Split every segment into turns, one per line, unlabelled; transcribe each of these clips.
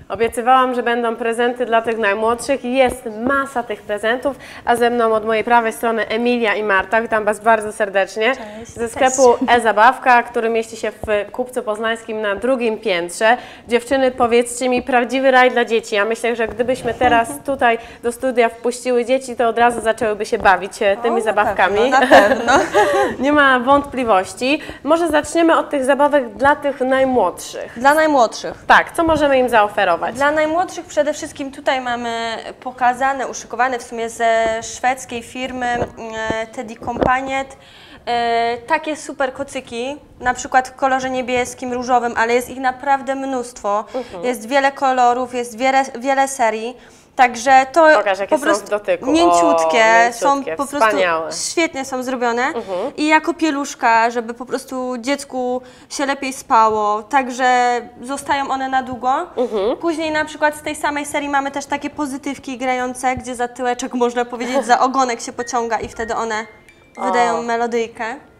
Obiecywałam, że będą prezenty dla tych najmłodszych. Jest masa tych prezentów, a ze mną od mojej prawej strony Emilia i Marta. Witam Was bardzo serdecznie.
Cześć.
Ze sklepu E-Zabawka, który mieści się w Kupcu Poznańskim na drugim piętrze. Dziewczyny, powiedzcie mi, prawdziwy raj dla dzieci. Ja myślę, że gdybyśmy teraz tutaj do studia wpuściły dzieci, to od razu zaczęłyby się bawić tymi zabawkami.
Na pewno.
Nie ma wątpliwości. Może zaczniemy od tych zabawek dla tych najmłodszych.
Dla najmłodszych.
Tak, co możemy im zaoferować?
Dla najmłodszych przede wszystkim tutaj mamy pokazane, uszykowane w sumie ze szwedzkiej firmy Teddy Companiet takie super kocyki, na przykład w kolorze niebieskim, różowym, ale jest ich naprawdę mnóstwo. Jest wiele kolorów, jest wiele serii. Także to
Pokaż, jakie
po prostu
są w dotyku.
mięciutkie, są po prostu
wspaniałe.
świetnie są zrobione i jako pieluszka, żeby po prostu dziecku się lepiej spało, także zostają one na długo. Później na przykład z tej samej serii mamy też takie pozytywki grające, gdzie za tyłeczek, można powiedzieć, za ogonek się pociąga i wtedy one wydają melodyjkę.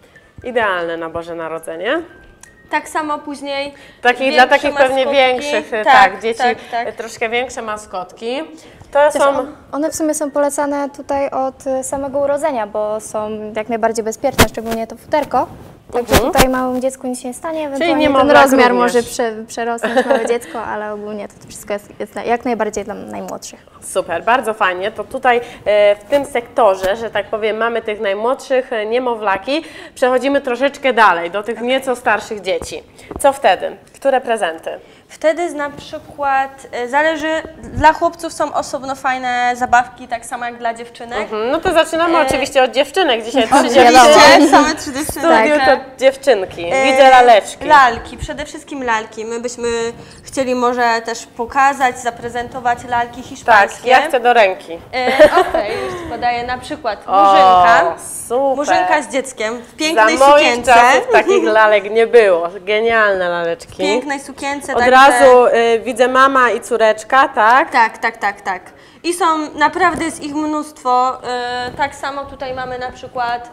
Idealne na Boże Narodzenie.
Tak samo później
Dla takich pewnie
maskotki.
większych, tak, dzieci,
tak.
troszkę większe maskotki. To są...
One w sumie są polecane tutaj od samego urodzenia, bo są jak najbardziej bezpieczne, szczególnie to futerko. Także tutaj małemu dziecku nic się nie stanie, ewentualnie ten rozmiar może przerosnąć małe dziecko, ale ogólnie to wszystko jest jak najbardziej dla najmłodszych.
Super, bardzo fajnie. To tutaj w tym sektorze, że tak powiem, mamy tych najmłodszych niemowlaki. Przechodzimy troszeczkę dalej, do tych nieco starszych dzieci. Co wtedy? Które prezenty?
Wtedy na przykład zależy, dla chłopców są osobno fajne zabawki, tak samo jak dla dziewczynek.
No to zaczynamy oczywiście od dziewczynek. Dzisiaj 3 dziewczyny.
Same 3 dziewczyny.
Studiu to dziewczynki. Widzę laleczki.
Lalki, przede wszystkim lalki. My byśmy chcieli może też pokazać, zaprezentować lalki hiszpańskie.
Tak, ja chcę do ręki.
Okej, już Ci podaję na przykład murzynka.
Super.
Murzynka z dzieckiem w pięknej
Za moich
sukience.
czasów takich lalek nie było. Genialne laleczki.
W pięknej sukience.
Od
także...
razu widzę mama i córeczka, tak?
Tak. I są, naprawdę jest ich mnóstwo. Tak samo tutaj mamy na przykład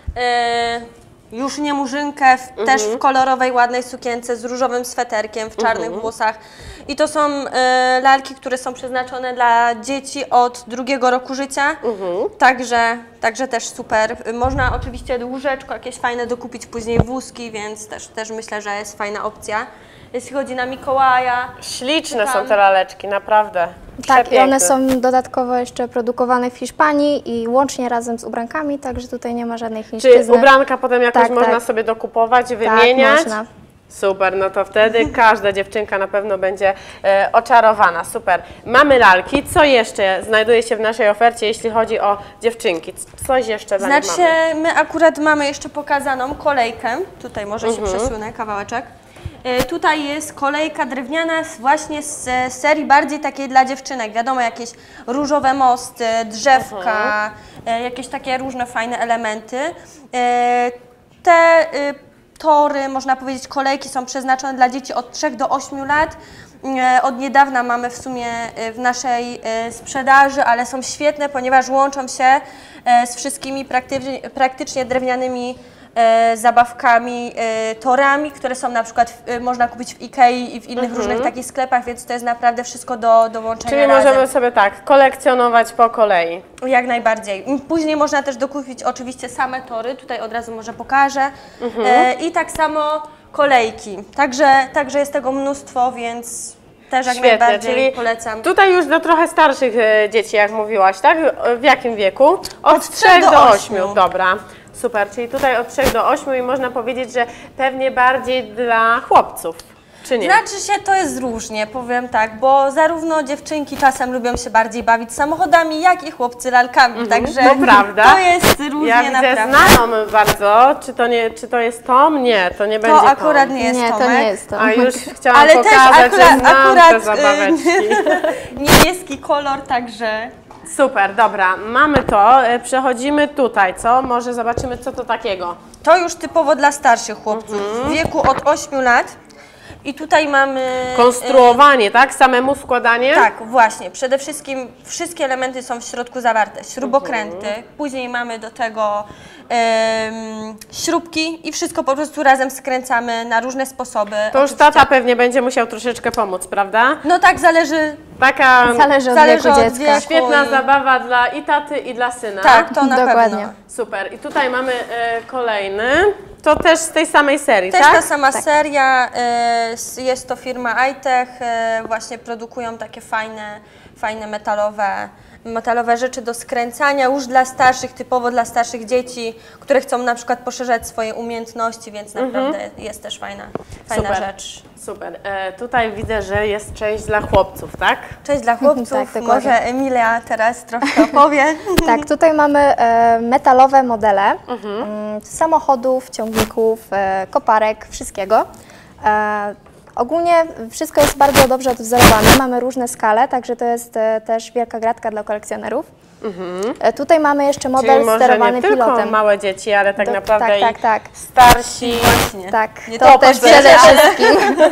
już nie murzynkę, też w kolorowej, ładnej sukience z różowym sweterkiem, w czarnych włosach. I to są lalki, które są przeznaczone dla dzieci od 2 roku życia, także też super. Można oczywiście łóżeczko jakieś fajne dokupić, później wózki, więc też myślę, że jest fajna opcja. Jeśli chodzi na Mikołaja.
Śliczne są te laleczki, naprawdę.
Tak, i one są dodatkowo jeszcze produkowane w Hiszpanii i łącznie razem z ubrankami, także tutaj nie ma żadnej chińszczyzny.
Czy ubranka potem jakoś można sobie dokupować, wymieniać?
Tak, można.
Super, no to wtedy każda dziewczynka na pewno będzie oczarowana. Super. Mamy lalki. Co jeszcze znajduje się w naszej ofercie, jeśli chodzi o dziewczynki? Coś jeszcze dla nich mamy?
My akurat mamy jeszcze pokazaną kolejkę. Tutaj może się przesunę kawałeczek. Tutaj jest kolejka drewniana właśnie z serii bardziej takiej dla dziewczynek. Wiadomo, jakieś różowe mosty, drzewka, jakieś takie różne fajne elementy. Te tory, można powiedzieć, kolejki są przeznaczone dla dzieci od 3 do 8 lat. Od niedawna mamy w sumie w naszej sprzedaży, ale są świetne, ponieważ łączą się z wszystkimi praktycznie drewnianymi zabawkami, torami, które są na przykład można kupić w Ikei i w innych różnych takich sklepach, więc to jest naprawdę wszystko do łączenia
Czyli
razem.
możemy sobie tak kolekcjonować po kolei.
Jak najbardziej. Później można też dokupić oczywiście same tory, tutaj od razu może pokażę. I tak samo kolejki. Także jest tego mnóstwo, więc też jak najbardziej
czyli
polecam.
Tutaj już do trochę starszych dzieci, jak mówiłaś, tak? W jakim wieku? Od 3 do 8. Dobra. Super, czyli tutaj od 3 do 8 i można powiedzieć, że pewnie bardziej dla chłopców, czy nie?
Znaczy się, to jest różnie, powiem tak, bo zarówno dziewczynki czasem lubią się bardziej bawić samochodami, jak i chłopcy lalkami, także
to prawda.
To jest różnie
ja widzę
naprawdę.
znaną bardzo, czy to jest Tom? Nie, to nie będzie
To akurat
Tom.
nie jest
Nie,
Tomek.
to nie jest to.
A już chciałam
Ale
pokazać,
też
że znam te
akurat
zabaweczki.
niebieski kolor, także...
Super, dobra, mamy to, przechodzimy tutaj, co? Może zobaczymy, co to takiego.
To już typowo dla starszych chłopców, w wieku od 8 lat. I tutaj mamy...
Konstruowanie, tak? Samemu składanie?
Tak, właśnie. Przede wszystkim wszystkie elementy są w środku zawarte. Śrubokręty, później mamy do tego śrubki i wszystko po prostu razem skręcamy na różne sposoby.
To już tata pewnie będzie musiał troszeczkę pomóc, prawda?
No tak, zależy
Zależy od wieku dziecka.
Świetna zabawa dla i taty, i dla syna.
Tak, to na
Dokładnie.
pewno.
Super. I tutaj mamy kolejny. To też z tej samej serii,
Też
tak?
ta sama seria, jest to firma iTech, właśnie produkują takie fajne metalowe rzeczy do skręcania, już dla starszych, typowo dla starszych dzieci, które chcą na przykład poszerzać swoje umiejętności, więc naprawdę jest też fajna rzecz.
Super. Tutaj widzę, że jest część dla chłopców, tak?
Cześć dla chłopców,
Tak, dokładnie.
może Emilia teraz troszkę opowie.
Tak, tutaj mamy metalowe modele samochodów, ciągników, koparek, wszystkiego. Ogólnie wszystko jest bardzo dobrze odwzorowane, mamy różne skale, także to jest też wielka gratka dla kolekcjonerów. Tutaj mamy jeszcze model
Czyli może
sterowany
nie tylko
pilotem.
małe dzieci, ale tak naprawdę
tak.
starsi.
Właśnie.
Tak,
Nie
to też
pośpieszać.
przede wszystkim.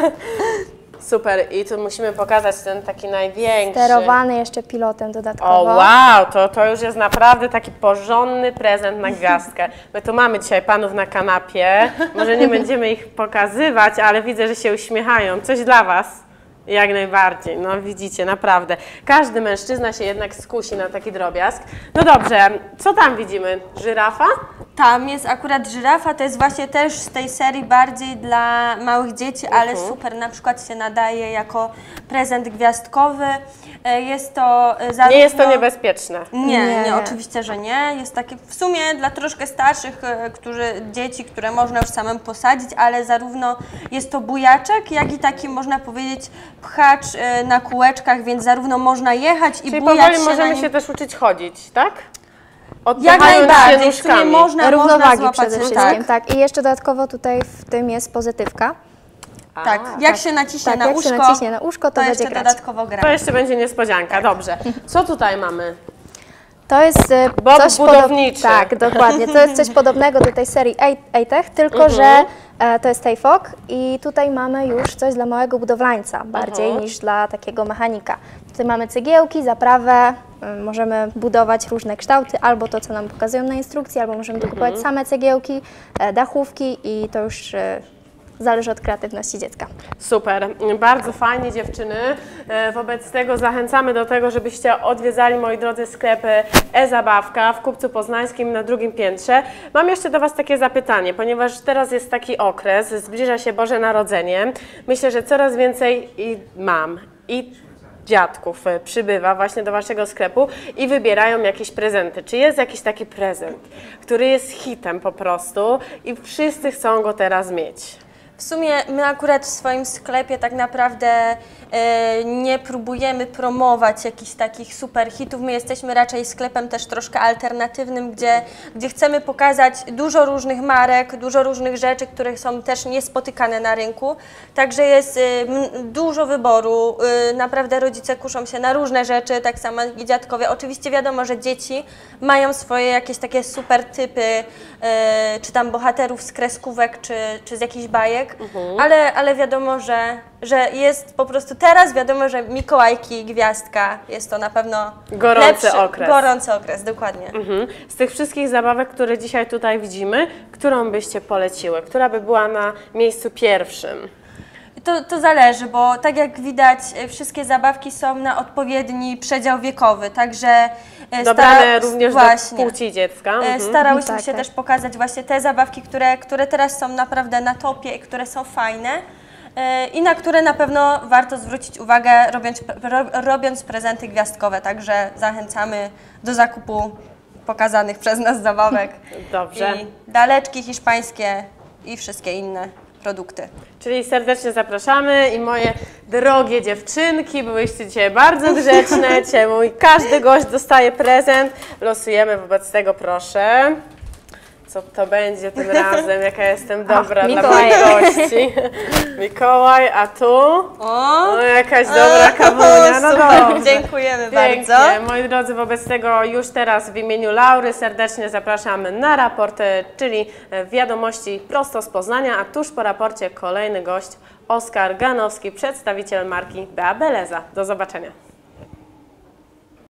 Super. I tu musimy pokazać ten taki największy.
Sterowany jeszcze pilotem dodatkowo.
O wow, to już jest naprawdę taki porządny prezent na gwiazdkę. My tu mamy dzisiaj panów na kanapie, może nie będziemy ich pokazywać, ale widzę, że się uśmiechają. Coś dla was. Jak najbardziej, no widzicie, naprawdę. Każdy mężczyzna się jednak skusi na taki drobiazg. No dobrze, co tam widzimy? Żyrafa?
Tam jest akurat żyrafa, to jest właśnie też z tej serii bardziej dla małych dzieci, ale super, na przykład się nadaje jako prezent gwiazdkowy. Jest to zarówno...
Nie jest to niebezpieczne.
Nie, oczywiście, że nie. Jest takie w sumie dla troszkę starszych dzieci, które można już samemu posadzić, ale zarówno jest to bujaczek, jak i taki, można powiedzieć, pchacz na kółeczkach, więc zarówno można jechać i
Czyli
bujać
powoli
się
możemy
na nim.
się też uczyć chodzić, tak?
Jak
Odpychając się
najbardziej, w sumie
nóżkami.
można
Równowagi
złapać
przede
się,
wszystkim, tak. I jeszcze dodatkowo tutaj w tym jest pozytywka.
Tak, jak się naciśnie
Tak,
na
jak
uszko,
się naciśnie na uszko, to będzie
jeszcze
grać.
dodatkowo gra.
To jeszcze będzie niespodzianka, dobrze. Co tutaj mamy?
To jest
Bob
coś
budowniczy.
Tak, dokładnie. To jest coś podobnego do tej serii iTech, tylko że to jest TAFOG i tutaj mamy już coś dla małego budowlańca, bardziej niż dla takiego mechanika. Tutaj mamy cegiełki, zaprawę, możemy budować różne kształty, albo to, co nam pokazują na instrukcji, albo możemy dokupować same cegiełki, dachówki i to już zależy od kreatywności dziecka.
Super, bardzo fajnie dziewczyny. Wobec tego zachęcamy do tego, żebyście odwiedzali, moi drodzy, sklepy e-Zabawka w Kupcu Poznańskim na drugim piętrze. Mam jeszcze do was takie zapytanie, ponieważ teraz jest taki okres, zbliża się Boże Narodzenie. Myślę, że coraz więcej mam i dziadków przybywa właśnie do waszego sklepu i wybierają jakieś prezenty. Czy jest jakiś taki prezent, który jest hitem po prostu i wszyscy chcą go teraz mieć?
W sumie my akurat w swoim sklepie tak naprawdę nie próbujemy promować jakichś takich super hitów. My jesteśmy raczej sklepem też troszkę alternatywnym, gdzie chcemy pokazać dużo różnych marek, dużo różnych rzeczy, które są też niespotykane na rynku. Także jest dużo wyboru. Naprawdę rodzice kuszą się na różne rzeczy, tak samo jak i dziadkowie. Oczywiście wiadomo, że dzieci mają swoje jakieś takie super typy, czy tam bohaterów z kreskówek, czy z jakichś bajek, ale wiadomo, że jest po prostu teraz wiadomo, że Mikołajki, Gwiazdka, jest to na pewno
Gorący okres.
Gorący okres, dokładnie.
Z tych wszystkich zabawek, które dzisiaj tutaj widzimy, którą byście poleciły? Która by była na miejscu pierwszym?
To zależy, bo tak jak widać, wszystkie zabawki są na odpowiedni przedział wiekowy, także
dobrane również do płci dziecka.
Starałyśmy się też pokazać właśnie te zabawki, które teraz są naprawdę na topie i które są fajne i na które na pewno warto zwrócić uwagę, robiąc prezenty gwiazdkowe, także zachęcamy do zakupu pokazanych przez nas zabawek.
Dobrze.
I laleczki hiszpańskie i wszystkie inne produkty.
Czyli serdecznie zapraszamy i moje drogie dziewczynki, byłyście dzisiaj bardzo grzeczne, dzisiaj każdy gość dostaje prezent, losujemy wobec tego, proszę. Co to będzie tym razem, jaka jestem dobra dla moich gości. Mikołaj, a tu? O, jakaś dobra kawunia, no dobrze.
Dziękujemy
Pięknie.
bardzo.
Moi drodzy, wobec tego już teraz w imieniu Laury serdecznie zapraszamy na raport, czyli wiadomości prosto z Poznania, a tuż po raporcie kolejny gość Oskar Ganowski, przedstawiciel marki Bea Beleza. Do zobaczenia.